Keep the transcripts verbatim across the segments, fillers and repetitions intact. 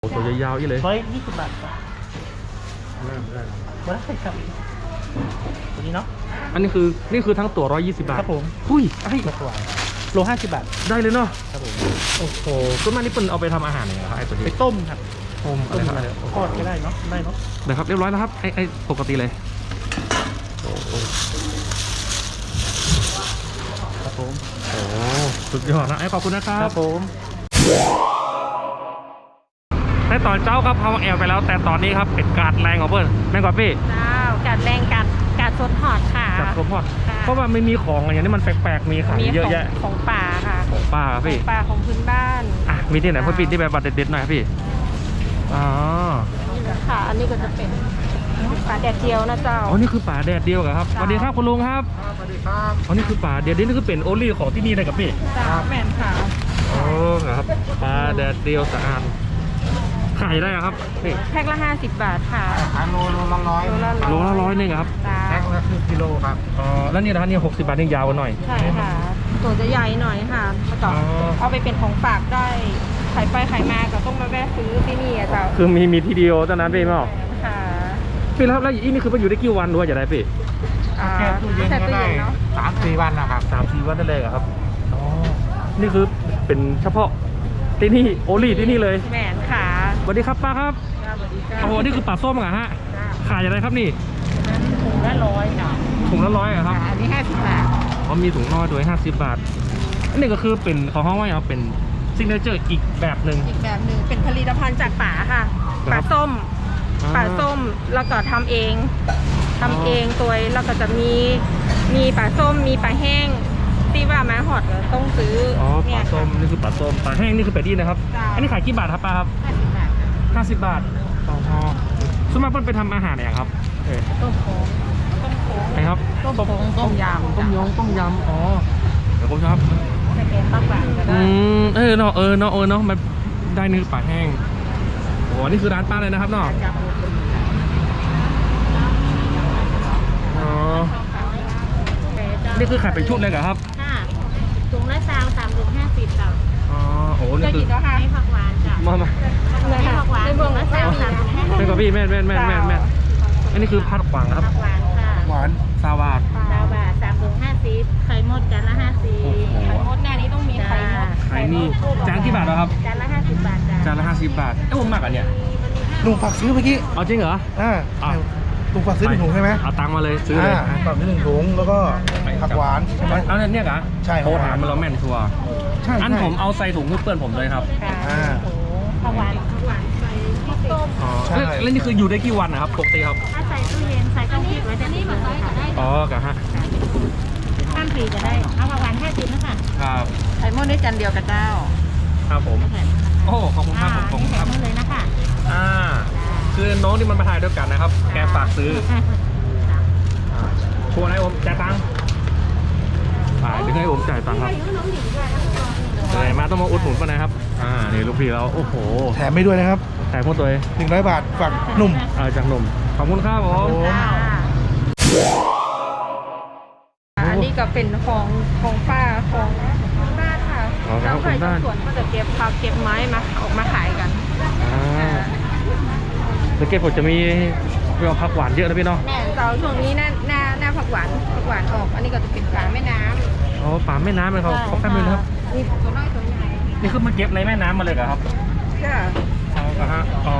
ตัวยาวๆอีเลยร้อยยี่สิบบาทครับมาได้ครับตัวนี้เนาะอันนี้คือนี่คือทั้งตัวร้อยยี่สิบบาทครับผมหุ้ยไอ้มาตัวโลห้าสิบบาทได้เลยเนาะครับผมโอ้โหต้นไม้นี่เป็นเอาไปทำอาหารยังไงครับไอ้ตัวนี้ไปต้มครับต้มอะไรครับอะไรทอดก็ได้เนาะได้เนาะเดี๋ยวครับเรียบร้อยแล้วครับไอ้ไอ้ปกติเลยโอ้โหครับผมโอ้สุดยอดนะไอ้ขอบคุณนะครัครับ บผมในตอนเจ้าครับเขาแอลไปแล้วแต่ตอนนี้ครับเป็นการแรงของเพื่อนแม่งกว่าพี่เจ้ากัดแรงกัดกัดสดหอดค่ะจัดครบหมดค่ะเพราะว่าไม่มีของอะไรอย่างนี้มันแปลกๆมีขายมีเยอะของแยะของป่าค่ะของป้าครับขอพี่งป่าของพื้นบ้านอ่ะมีที่ไหนเพื่อนพี่ที่แบบบัตรเด็ดๆหน่อยครับพี่อ๋อค่ะ อันนี้ก็จะเป็นป่าแดดเดียวนะเจ้าอ๋อนี่คือป่าแดดเดียวเหรอครับสจ้าวัสดีครับคุณลุงครับสวัสดีครับอ๋อนี่คือป่าแดดเดียวนี่คือเป็นโอลี่ของที่นี่เลยกับพี่เจ้าแม่นค่ะอ๋อครับปลาแดดเดียวสะอาดขายได้เหรอครับนี่แพ็คละห้าสิบบาทค่ะขายโลโลละร้อยโลละโลละร้อยหนึงเหรอครับเจ้าแพ็คละครึ่งกิโลครับอ๋อแล้วนี่นะนี่หกสิบบาทนี่ยาวกว่าหน่อยใช่ค่ะ ตัวจะใหญ่หน่อยค่ะแล้วก็อ๋อเอาไปเป็นของฝากได้ขายไปขายมาก็ต้องมาแวะซื้อที่นี่อะเจ้าคือมีมีทีเดียวเท่านั้นพี่ไม่ออกค่ะพี่แล้วแล้วอีนี่คือมันอยู่ได้กี่วันด้วยจะได้พี่อ่าแช่ตู้เย็นแช่ก็ตู้ได้เย็นเนาะสามสี่วันนะครับสามสี่วันนั่นเลยเหรอครับอ๋อนี่คือเป็นเฉพาะที่นี่โอลี่ที่นี่เลยแม่นค่ะสวัสดีครับป้าครับสวัสดีจ้าโอ้โหนี่คือปลาส้มเหรอฮะขายอะไรครับนี่ถุงละร้อยจ้ะถุงละร้อยเหรอครับอันนี้ห้าสิบบาทอ๋อมีถุงน้อยด้วยห้าสิบบาทอันนี้ก็คือเป็นของห้องว่าอย่างเป็นซิกเนเจอร์อีกแบบหนึ่งอีกแบบหนึ่งเป็นผลิตภัณฑ์จากป่าค่ะครับป่าส้มอ่าป่าส้มแล้วก็ทำเองทำเองตัวแล้วก็จะมีมีป่าส้มมีป่าแห้งที่ว่ามาหอดก็ต้องซื้ออ๋อปเนี่ลาย ส้มนี่คือปลาส้มปลาแห้งนี่คือเป็ดดี้นะครับจ้าอันนี้ขายกี่บาทครับป้าครับห้าสิบบาทค่ะห้าสิบบาทอ๋อส่วนมากเพิ่นไปทำอาหารเนี่ยครับเออต้มโค้งต้มโค้งไหนครับต้มโค้งต้มยำต้มยงต้มยำอ๋อเดี๋ยวผมชอบจะเป็นปลาหวานก็อืได้มเออเนาะเออเนาะเออเนาะมันได้เนื้อปลาแห้งโอ้นี่คือร้านป้าเลยนะครับเนาะจับอ๋อนี่คือขายเป็นชุดเลยเหรอครับค่ะถุงละซาวสามถุงห้าสิบจ้ะอ๋อโอ้นี่จะคืกิอนก็ห้าให้ผักหวานจ้ะมามาในผักหวานในเมืองละซาวสามถุงห้าสิบเป็นกับพี่แม่นแม่นแม่นแม่นแม่นอันนี้คือพัดขวางนะครับผักหวานค่ะหวานซาวาดซาวบาทสามถุงห้าสิบไข่มดจานละห้าสิบโอ้โหไข่มดหน้านี้ต้องมีไข่มดขายนี่จานกี่บาทแล้วครับจานละห้าสิบบาทจ้ะจานละห้าสิบบาทเอ้ยผมมากอันเนี้ยลุงฝากซื้อเมื่อกี้เอาจริงเหรออ่าอ่ะลุงฝากซื้อหนึ่งถุงใช่ไหมเอาตังค์มาเลยซื้อเลยอ่าฝากซื้อหนึ่งถุงแล้วก็ผักหวานใช่ไหมเอาเนี่ยเหรอใช่โทรถามมันเราแม่นชัวร์ใช่อันใช่ผมเอาใส่ถุงเพื่อนผมเลยครับค่ะอ่าโอ้โหผักหวานผักหวานใส่พริกต้มอ๋อใช่แล้วแล้วนี่คืออยู่ได้กี่วันนะครับปกติครับถ้าใส่ตู้เย็นใส่ต้องพริกไว้จะนี่มาใส่ก็ได้อ๋อกะฮะข้ามปีก็ได้เอาผักหวานห้าสิบนะคะครับไข่มดได้จานเดียวกับเจ้าครับผมโอ้ขอบคุณครับผมขอบคุณครับนี่เลยนะคะอ่าคือน้องที่มันมาถ่ายด้วยกันนะครับ แกฝากซื้อชวนให้ผมจ่ายตังค์ฝ่ายถึงให้ผมจ่ายตังค์ครับอะไรมาต้องมาอุดหนุนป่ะนะครับอ่านี่ลูกพี่เราโอ้โหแถมไม่ด้วยนะครับแต่พวกตัวเองหนึ่งร้อยบาทฝากหนุ่มเออจากหนุ่มขอบคุณครับผมอันนี้ก็เป็นของของป้าของบ้านค่ะอ๋อครัแล้บวขอบใครคุณจะบ้านสวนก็จะเก็บผักเก็บไม้มาออกมาขายกันอ่าสังเกตผมจะมีเรื่องผักหวานเยอะนะพี่เนาะแม่เจ้าช่วงนี้หน้าหน้าหน้าผักหวานผักหวานออก อันนี้ก็จะเป็นปลาแม่น้ำอ๋อป่าแม่น้ำเลยเขาเขาแป๊บนึงนะครับนี่ตัวน้อยตัวใหญ่นี่คือมาเก็บในแม่น้ำมาเลยเหรอครับค่ะอ๋อครับฮะอ๋อ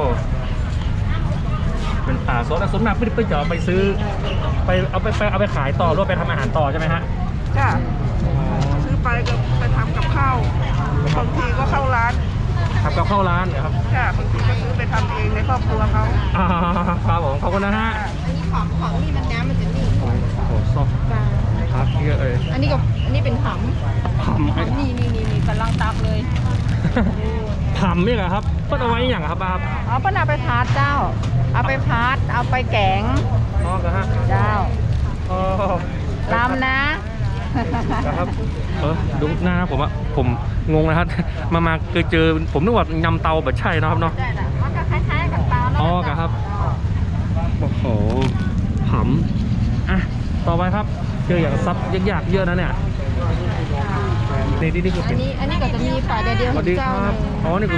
เป็นป่าสดแล้วส่วนมากพี่พี่จะเอาไปซื้อ ไปเอาไปไปเอาไปขายต่อหรือว่าไปทำอาหารต่อใช่ไหมฮะจ้ะซื้อไปก็ไปทำกับข้าวบางทีก็เข้าร้านทำกับข้าวร้านเหรอครับจ้ะบางทีก็ซื้อไปทำเองในครอบครัวเขาอ่าครับผมขอบคุณนะฮะอันนี้ของของนี่มันน้ำมันจะนิ่งโอ้โหซอฟครับเยอะเลยอันนี้ก็อันนี้เป็นหำผำหำนี่นี่นี่นี่กำลังตักเลยผำนี่เหรอครับเพิ่นเอาไว้อย่างครับป้าครับเอาเปิ้ลเอาไปพาร์ทเจ้า เอาไปพาร์ทเอาไปแกงอ๋อเหรอฮะเจ้าอ๋อลำนะนะครับเออดูหน้าผมอะผมงงนะครับ มามาเคยเจอผมนึกว่ายำเตาแบบใช่นะครับเนาะใช่ละมันก็คล้ายๆกับปลาอ๋อครับ โอ้โหผำอ่ะต่อไปครับเจออย่างซับยากๆเยอะนะเนี่ยนี่นี่นี่คืออัเป็น นนี้อันนี้ก็จะมีปลาเดียวสๆวัสดีคเจ้ารับอ๋อนี่คือ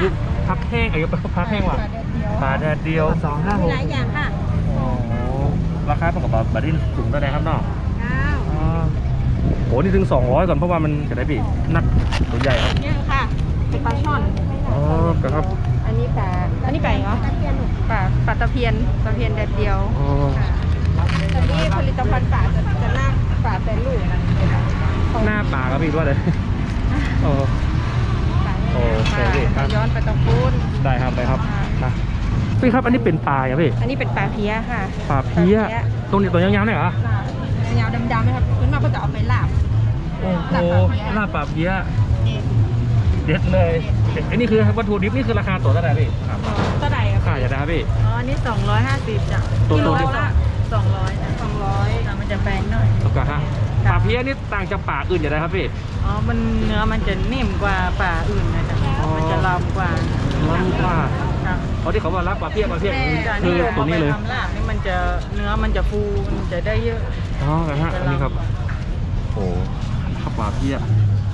พักแห้งไอ้ยพักแห้งว่ะปลาแดดเดียวสองห้าหมีกหลายอย่างค่ะอ๋อราคาเป็นกับบาร์ดินสูงได้ครับเนาะเก้าอ๋อโหนี่ถึงสองร้อยก่อนเพราะว่ามันจะได้ปีนักตัวใหญ่ครับเนี่ยค่ะเป็นปลาช่อนอ๋อครับอันนี้ปลาอันนี้ปลาอะไรเหรอปลาปลาตะเพียนตะเพียนแดดเดียวอ๋อค่ะอันนี้ผลิตภัณฑ์ปลาจะจะหน้าปลาแต่ลูกหน้าปลาครับพี่ด้วยเลยโอ้ปลาโอเคพี่ครับย้อนไปตะปูนได้ครับได้ครับนะพี่ครับอันนี้เป็นปลาอ่ะพี่อันนี้เป็นปลาเพี้ยค่ะปลาเพี้ยตรงนี้ตัวยาวๆเนี่ยเหรอยาวดำๆไหมครับคุณมาก็จะเอาไปลาบโอ้โหลาบปลาเพี้ยเด็ดเลยไอ้นี่คือวัตถุดิบนี่คือราคาตัวเท่าไหร่พี่ครับเท่าไหร่ครับค่าอย่าได้ครับพี่อ๋ออันนี้สองร้อยห้าสิบจ้ะตัวกิโลตัวละสองร้อยนะสองร้อยมันจะแพงหน่อยแล้วก็ฮะปลาเพี้ยนี่ต่างจากปลาอื่นอย่าได้ครับพี่อ๋อ มันเนื้อมันจะนิ่มกว่าปลาอื่นนะจ๊ะอ๋อมันจะลำกว่าล้ำกว่าครับเพราะที่เขาว่ารับปลาเพี้ยปลาเพี้ยจ้ะคือนี่ตัวนี้เลยอาไปทำลาบนี่มันจะเนื้อมันจะฟูมันจะได้เยอะอ๋อนะฮะอันนี้ครับโอ้ขับปลาเพี้ย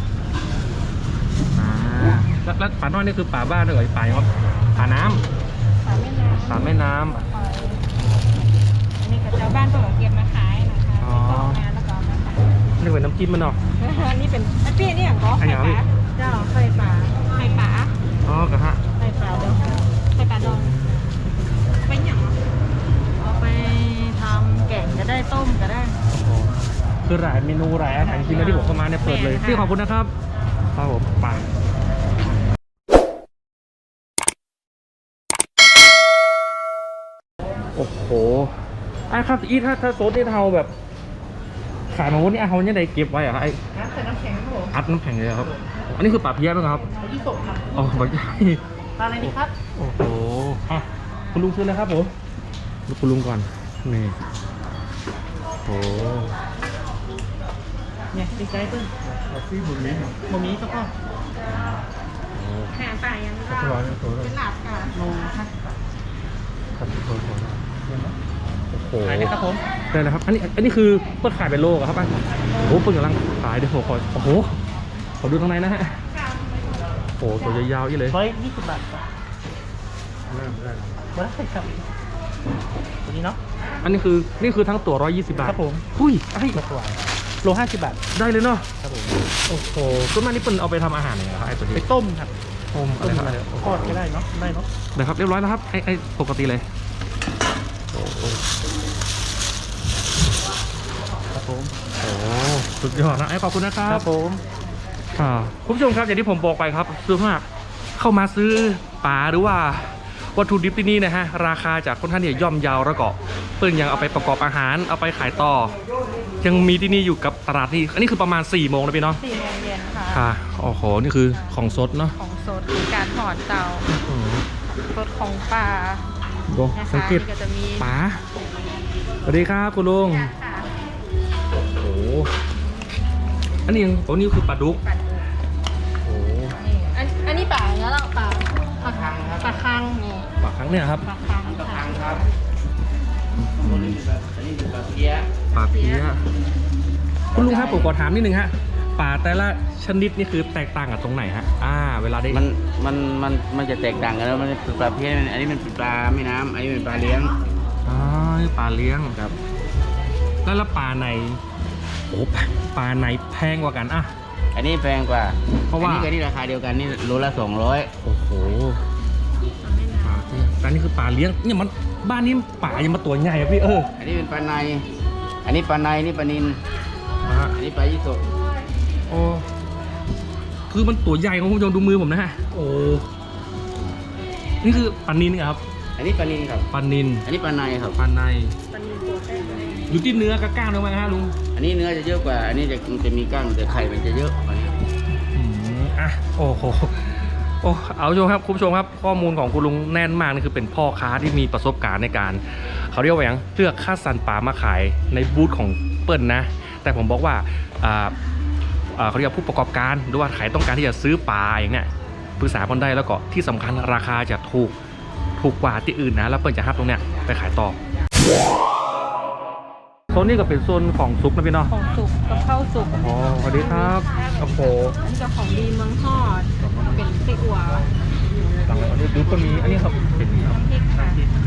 อ่าแล้วแล้วปลาน้อยนี่คือปลาบ้านด้วยเหรอปลาครับปลาน้ำปลาแม่น้ำปลาแม่น้ำอันนี้กับชาวบ้านก็เก็บมาขายนะคะอ๋อไปกรอกงานแล้วก็เอามาขายนี่เป็นน้ำจิ้มมันเนาะอันนี้เป็นอันพี่นี่อย่างก็อันไข่อย่างปพี่ลาเจ้าไข่ปลาไข่ปลาอ๋อกระฮะไข่ปลาดองไข่ปลาดองไปหยังเอาไปทำแกงก็ได้ต้มก็ได้โอ้โหคือหลายเมนูหลายอาหารจริงๆนะที่ผมเข้ามาเนี่ยเปิดเลยแม่ค่ะพี่ขอบคุณนะครับครับผมไปโอ้โหไอ้ครับอีถ้าถ้าโซดที่เทาแบบ ขายมาวันนี้ไอ้เขาเนี่ยได้เก็บไว้เหรอะไอ้ใส่น้ำแข็งครับผมอัดน้ำแข็งเลยเหรอครับ อันนี้คือปลาเพี้ยไหมครับยี่สิบครับอ๋อปลาใหญ่ปลาอะไรดีครับโอ้โหอ่ะคุณลุงซื้อเลยครับผมดูคุณลุงก่อน นี่โอ้โหเนี่ยดีใจเพิ่งซีบุรีบะหมี่ก็พอแหนปลายังก็เป็นหลับค่ะโลค่ะโอ้โหขายไหมครับผมได้แล้วครับ อันนี้ อันนี้คือเปิดขายเป็นโลเหรอครับป้าโอ้โหเปิดกำลังขายเดี๋ยวผมขอโอ้โห ขอดูข้างในนะฮะ โอ้โห ตัวยาวๆอีเลยร้อยยี่สิบบาทครับมาได้ครับตัวนี้เนาะอันนี้คือ นี่คือทั้งตัวร้อยยี่สิบบาทครับผมหุ้ยไอ้มากกว่าโลห้าสิบบาทได้เลยเนาะครับผมโอ้โหส่วนมากนี่เป็นเอาไปทำอาหารอย่างไรครับไอ้ตัวนี้ไปต้มครับต้มอะไรครับทอดก็ได้เนาะได้เนาะเดี๋ยวครับเรียบร้อยแล้วครับไอ้ไอ้ปกติเลยโอ้โหครับผมโอ้สุดยอดนะไอ้ขอบคุณนะครับครับผมอ่าคุณผู้ชมครับอย่างที่ผมบอกไปครับซื้อมากเข้ามาซื้อปลาหรือว่าวัตถุดิบที่นี่นะฮะราคาจากค่อนข้างเนี่ยย่อมเยาวแล้วก็เปิ้ลยังเอาไปประกอบอาหารเอาไปขายต่อ ยังมีที่นี่อยู่กับตลาดนี่อันนี้คือประมาณ4ี่โมงนะพี่เนาะสี่โมงเย็นค่ะค่ะโอ้โหนี่คือของสดเนาะของสดคือการถอดเตาอืมสดของปลาดูนะคะสังเกตนี่ก็จะมีปลาสวัสดีครับคุณลุงค่ะโอ้โหอันนี้ยังโอ้นี่คือปลาดุกปลาดุกโอ้นี่อันอันนี้ปลาอย่างเงี้ยเราปลาปลาคังปลาคังนี่ปลาครั้งเนี่ยครับปลาคังปลาคังครับปลาเพี้ยคุณลุงครับผมขอถามนิดนึงฮะปลาแต่ละชนิดนี่คือแตกต่างกันตรงไหนฮะอ่าเวลาได้มันมันมันมันจะแตกต่างกันแล้วมันเป็นปลาเพี้ยนอันนี้มันเป็นปลาแม่น้ำอันนี้เป็นปลาเลี้ยงอ๋อนี่ปลาเลี้ยงครับแล้วแล้วปลาในโอ้ปลาในแพงกว่ากันอ่ะอันนี้แพงกว่าเพราะว่าอันนี้กับนี่ราคาเดียวกันนี่โลละสองร้อยโอ้โหปลาแต่นี่คือปลาเลี้ยงเนี่ยมันบ้านนี้ปลายังมาตัวใหญ่อะพี่เอออันนี้เป็นปลาในอันนี้ปลาในนี่ปลานินอ่ะอันนี้ปลายี่สกโอ้คือมันตัวใหญ่ของคุณผู้ชมดูมือผมนะฮะโอ้นี่คือปลานินครับอันนี้ปลานินครับปลานินอันนี้ปลาในครับปลาในปลานิลตัวแป้งเลยอยู่ที่เนื้อกับกล้างถูกไหมฮะลุงอันนี้เนื้อจะเยอะกว่า อันนี้จะมันจะมีกล้างแต่ไข่มันจะเยอะกว่านี้อืมอ่ะโอ้โหโอ้เอาชมครับคุณผู้ชมครับข้อมูลของคุณลุงแน่นมากนี่คือเป็นพ่อค้าที่มีประสบการณ์ในการเขาเรียกว่าอย่างเลือกค่าสันปลามาขายในบูธของเปิ้ลนะ แต่ผมบอกว่าอ่าอ่าเขาเรียกว่าผู้ประกอบการหรือว่าใครต้องการที่จะซื้อปลาอย่างเนี้ยปรึกษาคนได้แล้วก็ที่สำคัญราคาจะถูกถูกกว่าที่อื่นนะแล้วเปิ้ลจะฮับตรงเนี้ยไปขายต่อโซนนี้ก็เป็นโซนของซุปนะพี่เนาะของสุกกับข้าวสุกอ๋อสวัสดีครับโอ้โหอันนี้ก็ของดีเมืองทอดเป็นไส้อั่วหลังอันนี้ดูก็มีอันนี้ครับเป็นน้ำพริกค่ะ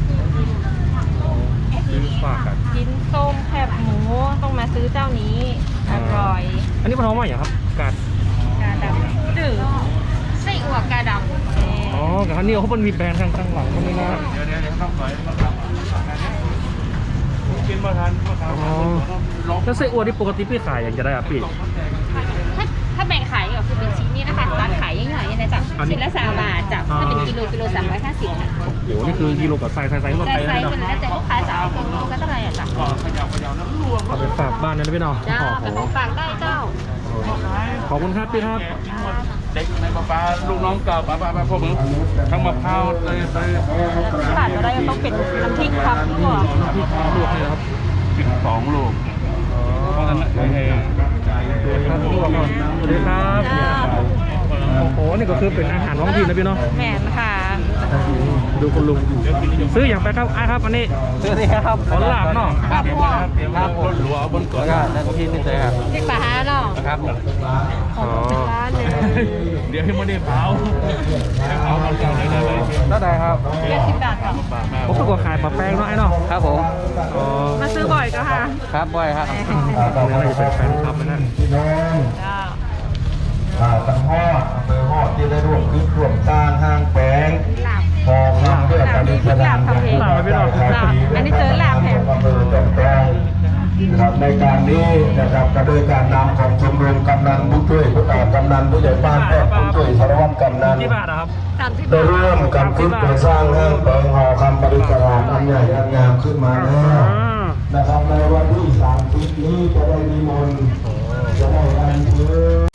ซื้อฝากกันกินส้มแคบหมูต้องมาซื้อเจ้านี้อร่อยอันนี้มันท้องว่าอย่างครับกาดกาดำจืดไส้อั่วกาดำอ๋อกับอันนี้เขาเป็นมีแบรนด์ข้างข้างหลังตรงนี้นะเดี๋ยวเดี๋ยวเดี๋ยวต้องสอยมาทำกินมาทานมาทานอ๋อแล้วไส้อั่วที่ปกติพี่ขายอย่างจะได้อะพี่ถ้าถ้าแบ่งขายก็คือเป็นชิ้นนี้นะคะร้านขายย่อยๆนะจ๊ะอันนี้ชิ้นละสามบาทจ้ะถ้าเป็นกิโลกิโลสามร้อยห้าสิบค่ะโอ้โหนี่คือกิโลกับไซส์ไซส์ไซส์รถไซไทยส์นะเป็นแล้วแต่ลูกค้าจะเอากิโลก็เท่าไหร่อ่ะจ้ะเอาไปฝากบ้านนะพี่น้องเจ้าโอ้เป็นโหของฝากได้เจ้าขอบคุณครับพี่ครับเด็กในป้าป้าลูกน้องเก่าป้าป้าป้าพวกมึงทั้งมะพร้าวเลยเลยขาดไม่ได้ก็ต้องเป็นน้ำพริกครับก่อนพี่พาลวกเลยครับกินสองลูกเพราะฉะนั้นเฮ้ยครับลวกก่อนสวัสดีครับโอ้โหนี่ก็คือเป็นอาหารท้องถิ่นนะพี่เนาะแหมนค่ะดูคุณลุงซื้ออย่างไปครับอ่ะครับอันนี้ซื้อสิครับขอลาบเนาะครับพ่อครับบนหลวงบนเกาะก็นั่นที่นี่เลยครับพริกปลาฮาเนาะครับของร้านเลยเดี๋ยวให้มันได้เผาให้เผามันก่อนเลยได้ไหมแล้วได้ครับเจ็ดสิบบาทค่ะผมก็ขายปลาแป้งเนาะไอ้เนาะครับผมอ๋อมาซื้อบ่อยก็ค่ะครับบ่อยครับนี่น่าจะเป็นแฟนคลับนะพี่น้องเจ้าอ่าตังฮอดอำเภอฮอดที่ได้ร่วมคิดร่วมสร้างห้างแปลงหลับพอคำเพื่อการแสดงหลับไม่หลับหลับอันนี้เจอหลับแถมอำเภอจอมแปลงนะครับในการนี้นะครับก็โดยการนำของชมรมกำนันผู้ช่วยผู้อ่ากำนันผู้ใหญ่บ้านแพทย์ผู้ช่วยสารวัตรกำนันกี่บาทอะครับสามสิบได้บาทร่วมกันคิดเพื่อสร้างห้างแปลงหอคำปริศนาอันใหญ่อันงามขึ้นมาแล้วอ่านะครับในวันที่สามสิบนี้จะได้นิมนต์จะได้อัญเชิญ